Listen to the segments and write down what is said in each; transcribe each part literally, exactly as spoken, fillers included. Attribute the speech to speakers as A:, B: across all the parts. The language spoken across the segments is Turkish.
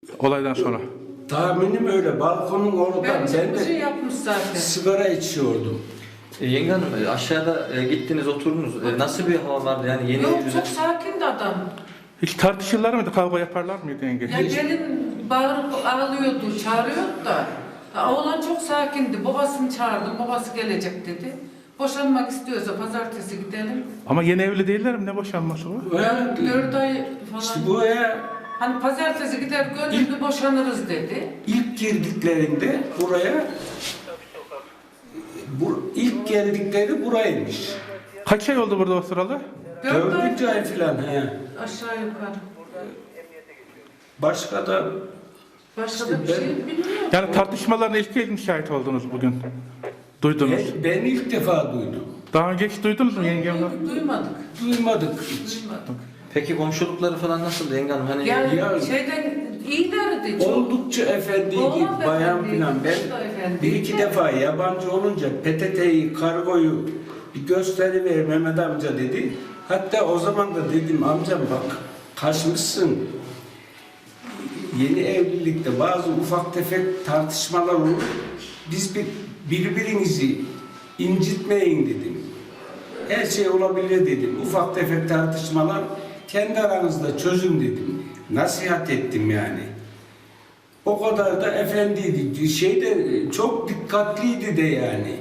A: Olaydan sonra.
B: Tahminim öyle. Balkonun oradan
C: Bence
B: ben
C: bir şey
B: de
C: yapmış zaten.
B: sigara içiyordum.
D: E, Yenge Hanım e, aşağıda e, gittiniz oturdunuz. E, nasıl bir hava vardı yani yeni
C: Yok
D: evliler-
C: çok sakindi adam.
A: Hiç tartışırlar mıydı? Kavga yaparlar mıydı yenge?
C: Ya gelin bağırıp ağlıyordu, çağırıyordu da. Ya, oğlan çok sakindi. Babasını çağırdım, babası gelecek dedi. Boşanmak istiyorsa pazartesi gidelim.
A: Ama yeni evli değiller mi? Ne boşanması bu?
B: Ve
C: Dört ay falan.
B: işte bu eve
C: Hani pazartesi gider gönüllü boşanırız dedi.
B: ilk girdiklerinde buraya bu ilk geldikleri buraymış.
A: Kaç ay oldu burada oturalı?
C: Dört ay
B: Dördüncü ay filan he.
C: aşağı yukarı.
B: Başka da
C: Başka
B: İşte
C: da bir
B: ben-
C: şey bilmiyorum.
A: Yani tartışmalarına ilk kez mi şahit oldunuz bugün? Duydunuz.
B: ben, ben ilk defa duydum.
A: Daha önce hiç duydunuz mu yengemden?
C: Duymadık.
B: Duymadık hiç.
C: Duymadık.
D: Peki komşulukları falan nasıldı Yenge Hanım? Hani
C: Yani
B: Ya-
C: şeyden iyilerdi çok.
B: Oldukça efendiydi,
C: Oğlan
B: bayan
C: efendiydi,
B: filan.
C: kız da
B: Ben
C: efendiydi.
B: bir iki defa yabancı olunca P T T'yi, kargoyu bir gösteriver Mehmet amca dedi. Hatta o zaman da dedim amcam bak kaçmışsın. Yeni evlilikte bazı ufak tefek tartışmalar olur. Biz bir, birbirinizi incitmeyin dedim. Her şey olabilir dedim. Ufak tefek tartışmalar kendi aranızda çözün dedim. Nasihat ettim yani. O kadar da efendiydi. Şeyde çok dikkatliydi de yani.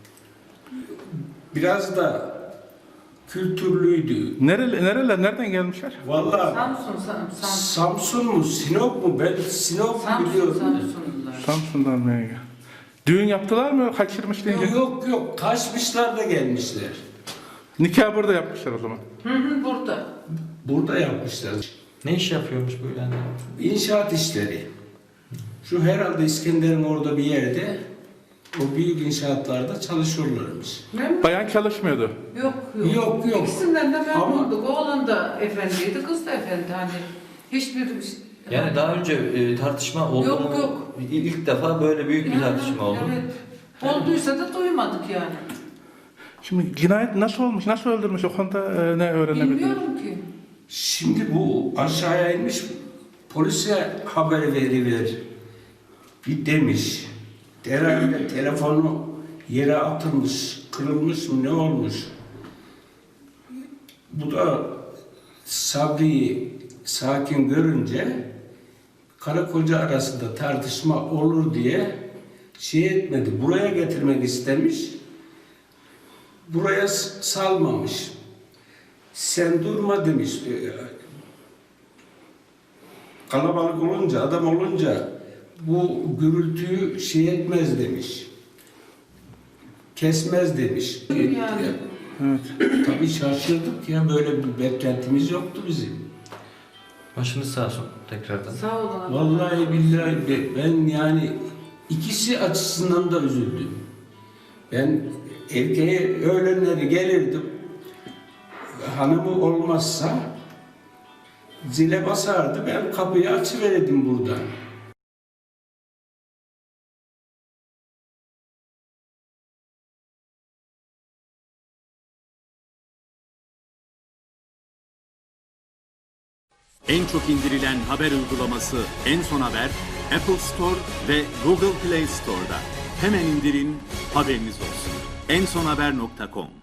B: Biraz da kültürlüydü.
A: Nereli, nereler, nereden gelmişler?
B: Vallahi
C: Samsun, Sam- Samsun.
B: Samsun mu, Sinop mu? Ben Sinop
C: Samsun,
B: biliyorum.
C: Samsunlular.
A: Samsun'dan mı yenge? Düğün yaptılar mı? Kaçırmış yenge.
B: Yok yok yok. Kaçmışlar da gelmişler.
A: Nikah burada yapmışlar o zaman.
C: Hı hı, burada.
B: Burada yapmışlar.
D: ne iş yapıyormuş bu yani?
B: İnşaat işleri. Şu herhalde İskender'in orada bir yerde o büyük inşaatlarda çalışıyorlarmış.
C: Ne mi?
A: Bayan çalışmıyordu.
C: Yok yok.
B: Yok, yok.
C: İkisinden de
B: Ama-
C: memnunduk. Oğlan da efendiydi, kız da efendi. Hani hiçbir...
D: Yani daha önce e, tartışma oldu
C: Yok,
D: mu?
C: yok.
D: İ- İlk defa böyle büyük bir
C: Yani,
D: tartışma oldu.
C: Evet. Olduysa da duymadık yani.
A: Şimdi cinayet nasıl olmuş, nasıl öldürmüş o konuda e, ne öğrenebildiniz?
C: Bilmiyorum ki.
B: Şimdi bu aşağıya inmiş polise haber veriver bir demiş. Herhalde telefonu yere atılmış, kırılmış mı ne olmuş? Bu da Sabri'yi sakin görünce karı koca arasında tartışma olur diye şey etmedi. Buraya getirmek istemiş. Buraya s- salmamış. Sen durma demiş. Kalabalık olunca, adam olunca bu gürültüyü şey etmez demiş. Kesmez demiş.
C: Yani.
A: Evet.
B: Tabii şaşırdık ya, böyle bir beklentimiz yoktu bizim.
D: Başınız sağ olsun tekrardan.
C: Sağ olun.
B: Vallahi billahi be- ben yani ikisi açısından da üzüldüm. Ben erkeğe öğlenleri gelirdim. Hanımı olmazsa zile basardı. Ben kapıyı açıverirdim buradan.
E: En çok indirilen haber uygulaması En Son Haber, Apple Store ve Google Play Store'da. Hemen indirin, haberiniz olsun. en son haber nokta com